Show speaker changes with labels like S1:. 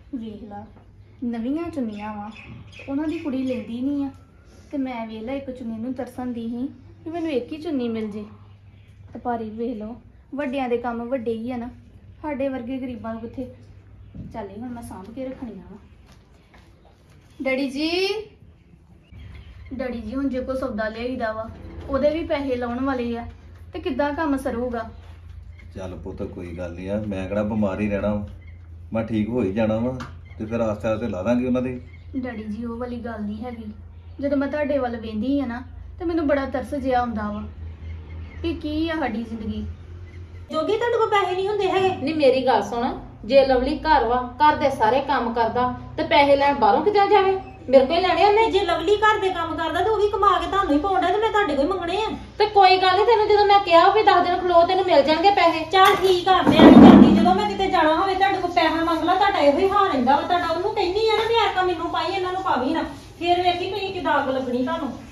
S1: ਵੇਖ ਲਾ ਨਵੀਆਂ ਚੁੰਨੀਆਂ ਵਾ ਉਹਨਾਂ ਦੀ ਕੁੜੀ ਲੈਂਦੀ ਨਹੀਂ ਆ ਤੇ ਮੈਂ ਵੇਖ ਲਾ ਇੱਕ ਚੁੰਨੀ ਨੂੰ ਤਰਸਣ ਦੀ ਸੀ ਕਿ ਮੈਨੂੰ ਇੱਕ ਹੀ ਚੁੰਨੀ ਮਿਲ ਜੇ ਤੇ ਭਾਰੀ ਵੇਖ ਲਓ ਵੱਡਿਆਂ ਦੇ ਕੰਮ ਵੱਡੇ ਹੀ ਆ ਨਾ ਸਾਡੇ ਵਰਗੇ ਗਰੀਬਾਂ ਨੂੰ ਕਿੱਥੇ ਚੱਲ ਹੁਣ ਮੈਂ ਸਾਂਭ ਕੇ ਰੱਖਣੀਆਂ ਵਾ। ਡੈਡੀ ਜੀ ਹੁਣ ਜੇ ਕੋ ਸੌਦਾ ਲਿਆਈਦਾ ਵਾ ਉਹਦੇ ਵੀ ਪੈਸੇ ਲਾਉਣ ਵਾਲੇ ਆ ਤੇ ਕਿੱਦਾਂ ਕੰਮ ਸਰੂਗਾ।
S2: ਚੱਲ ਪੁੱਤ ਕੋਈ ਗੱਲ ਨਹੀਂ ਆ, ਮੈਂ ਕਿਹੜਾ ਬਿਮਾਰ ਹੀ ਰਹਿਣਾ ਵਾ, ਮੈਂ ਠੀਕ ਹੋ ਹੀ ਜਾਣਾ ਵਾ ਤੇ ਫਿਰ ਆਸਤੇ ਆਸਤੇ ਲਾ ਦਾਂਗੇ ਉਹਨਾਂ ਦੇ।
S1: ਡੈਡੀ ਜੀ ਉਹ ਵਾਲੀ ਗੱਲ ਨਹੀਂ ਹੈਗੀ। ਜਦੋਂ ਮੈਂ ਤੁਹਾਡੇ ਵੱਲ ਵੇਂਦੀ ਆ ਨਾ ਤੇ ਮੈਨੂੰ ਬੜਾ ਤਰਸ ਜਿਹਾ ਆਉਂਦਾ ਵਾ ਕਿ ਕੀ ਆ ਸਾਡੀ ਜ਼ਿੰਦਗੀ।
S3: ਜੋਗੀ ਤੁਹਾਡੇ ਕੋਲ ਪੈਸੇ ਨਹੀਂ ਹੁੰਦੇ ਹੈਗੇ।
S4: ਨਹੀਂ ਮੇਰੀ ਗੱਲ ਸੁਣ, ਜੇ ਲਵਲੀ ਘਰ ਵਾ ਘਰ ਦੇ ਸਾਰੇ ਕੰਮ ਕਰਦਾ ਤੇ ਪੈਸੇ ਲੈਣ ਬਾਹਰੋਂ ਕਿੱਦਾਂ ਜਾਵੇ? ਮੇਰੇ ਕੋਲ ਹੀ ਲੈਣੇ ਉਹਨੇ।
S3: ਜੇ ਲਵਲੀ ਘਰ ਦੇ ਕੰਮ ਕਰਦਾ ਤੇ ਉਹ ਵੀ ਕਮਾ ਕੇ ਤੁਹਾਨੂੰ ਹੀ ਪਾਉਂਦਾ ਤੇ ਮੈਂ ਤੁਹਾਡੇ ਕੋਲ ਹੀ ਮੰਗਣੇ ਆ।
S4: ਤੇ ਕੋਈ ਗੱਲ ਨਹੀਂ, ਤੈਨੂੰ ਜਦੋਂ ਮੈਂ ਕਿਹਾ ਵੀ 10 ਦਿਨ ਖਲੋ ਤੈਨੂੰ ਮਿਲ ਜਾਣਗੇ ਪੈਸੇ।
S3: ਚੱਲ ਠੀਕ ਆ, ਮੈਂ ਨਹੀਂ ਕਰਦੀ। ਜਦੋਂ ਮੈਂ ਕਿਤੇ ਜਾਣਾ ਹੋਵੇ ਤੁਹਾਡੇ ਕੋਲ ਪੈਸਾ ਮੰਗ ਲਾ, ਤੁਹਾਡਾ ਇਹੋ ਹੀ ਹਾਲ ਰਹਿੰਦਾ ਵਾ। ਤੁਹਾਡਾ ਉਹਨੂੰ ਕਹਿੰਦੀ ਆ ਨਾ ਵੀ ਐਰਕਾ ਮੈਨੂੰ ਪਾਈ ਇਹਨਾਂ ਨੂੰ ਪਾਵੀ ਨਾ, ਫੇਰ ਵੇਖੀ ਤੁਸੀਂ ਕਿਦਾਂ ਅੱਗ ਲੱਗਣੀ ਤੁਹਾਨੂੰ।